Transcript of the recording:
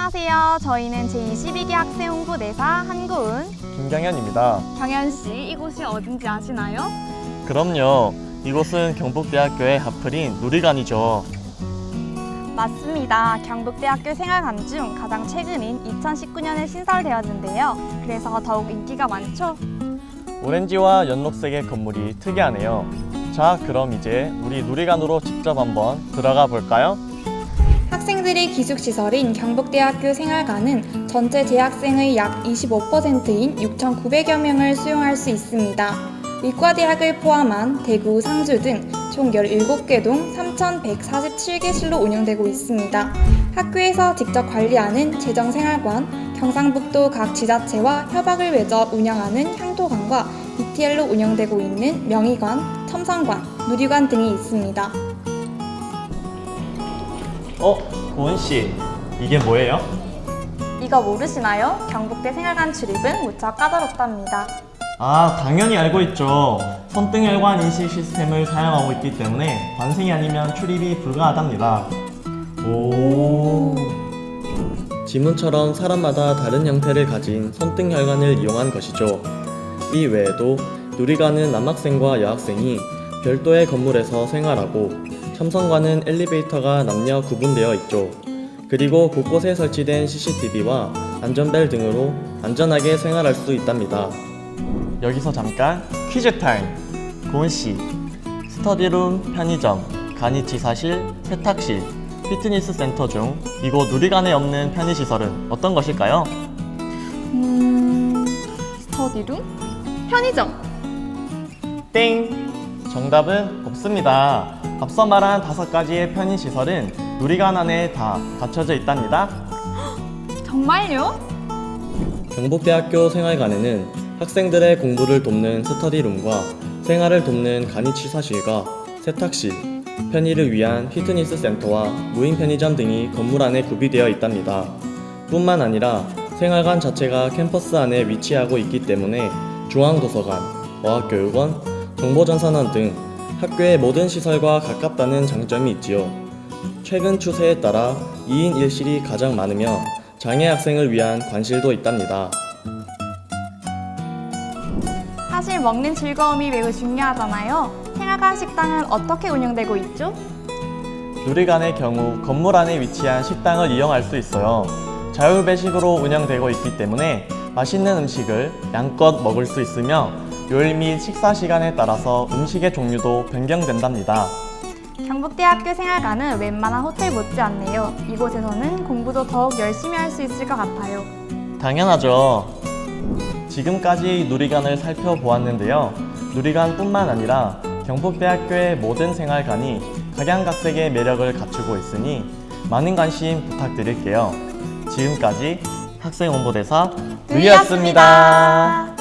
안녕하세요. 저희는 제22기 학생 홍보대사 한고은, 김경현입니다. 경현 씨, 이곳이 어딘지 아시나요? 그럼요. 이곳은 경북대학교의 하플인 누리관이죠. 맞습니다. 경북대학교 생활관 중 가장 최근인 2019년에 신설되었는데요. 그래서 더욱 인기가 많죠? 오렌지와 연록색의 건물이 특이하네요. 자, 그럼 이제 우리 누리관으로 직접 한번 들어가 볼까요? 학생들의 기숙시설인 경북대학교 생활관은 전체 재학생의 약 25%인 6,900여 명을 수용할 수 있습니다. 의과대학을 포함한 대구, 상주 등 총 17개 동 3,147개실로 운영되고 있습니다. 학교에서 직접 관리하는 재정생활관, 경상북도 각 지자체와 협약을 맺어 운영하는 향토관과 BTL로 운영되고 있는 명의관, 첨성관, 누리관 등이 있습니다. 고은 씨, 이게 뭐예요? 이거 모르시나요? 경북대 생활관 출입은 무척 까다롭답니다. 아, 당연히 알고 있죠. 손등혈관 인식 시스템을 사용하고 있기 때문에 관생이 아니면 출입이 불가하답니다. 오. 지문처럼 사람마다 다른 형태를 가진 손등혈관을 이용한 것이죠. 이 외에도 누리관은 남학생과 여학생이 별도의 건물에서 생활하고, 첨성관은 엘리베이터가 남녀 구분되어 있죠. 그리고 곳곳에 설치된 CCTV와 안전벨 등으로 안전하게 생활할 수 있답니다. 여기서 잠깐 퀴즈 타임! 고은씨, 스터디룸, 편의점, 간이치사실, 세탁실, 피트니스 센터 중 이곳 누리관에 없는 편의시설은 어떤 것일까요? 스터디룸? 편의점! 땡! 정답은 없습니다. 앞서 말한 5가지의 편의시설은 누리관 안에 다 갖춰져 있답니다. 정말요? 경북대학교 생활관에는 학생들의 공부를 돕는 스터디룸과 생활을 돕는 간이치사실과 세탁실, 편의를 위한 피트니스 센터와 무인 편의점 등이 건물 안에 구비되어 있답니다. 뿐만 아니라 생활관 자체가 캠퍼스 안에 위치하고 있기 때문에 중앙도서관, 어학교육원, 정보전산원 등 학교의 모든 시설과 가깝다는 장점이 있지요. 최근 추세에 따라 2인 1실이 가장 많으며 장애 학생을 위한 관실도 있답니다. 사실 먹는 즐거움이 매우 중요하잖아요. 생활관 식당은 어떻게 운영되고 있죠? 누리관의 경우 건물 안에 위치한 식당을 이용할 수 있어요. 자율배식으로 운영되고 있기 때문에 맛있는 음식을 양껏 먹을 수 있으며 요일 및 식사 시간에 따라서 음식의 종류도 변경된답니다. 경북대학교 생활관은 웬만한 호텔 못지않네요. 이곳에서는 공부도 더욱 열심히 할 수 있을 것 같아요. 당연하죠. 지금까지 누리관을 살펴보았는데요. 누리관뿐만 아니라 경북대학교의 모든 생활관이 각양각색의 매력을 갖추고 있으니 많은 관심 부탁드릴게요. 지금까지 학생홍보대사 누리였습니다.